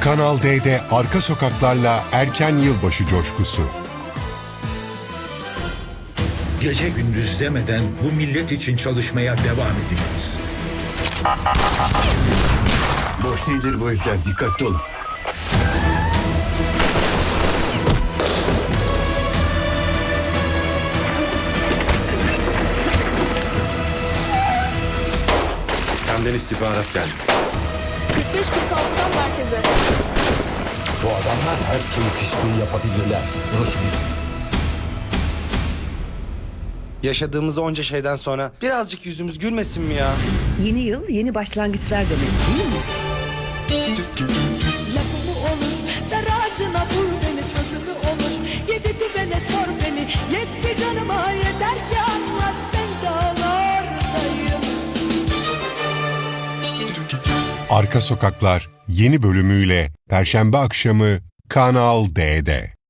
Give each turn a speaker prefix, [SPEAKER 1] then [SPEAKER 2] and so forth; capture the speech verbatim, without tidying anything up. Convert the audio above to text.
[SPEAKER 1] Kanal D'de arka sokaklarla erken yılbaşı coşkusu.
[SPEAKER 2] Gece gündüz demeden bu millet için çalışmaya devam edeceğiz.
[SPEAKER 3] Boş değildir bu herifler, dikkatli olun.
[SPEAKER 4] Benden istihbarat geldi.
[SPEAKER 5] kırk beş kırk altıdan merkeze.
[SPEAKER 3] Bu adamlar her türlü pisliği yapabilirler.
[SPEAKER 6] Yaşadığımız onca şeyden sonra birazcık yüzümüz gülmesin mi ya?
[SPEAKER 7] Yeni yıl yeni başlangıçlar demek değil mi?
[SPEAKER 8] Lafımı olur, dar ağacına vur beni, sözümü olur. Yedi düvele sor beni, yetti canıma yeter ki anla sevdalardayım.
[SPEAKER 1] Arka Sokaklar yeni bölümüyle Perşembe akşamı Kanal D'de.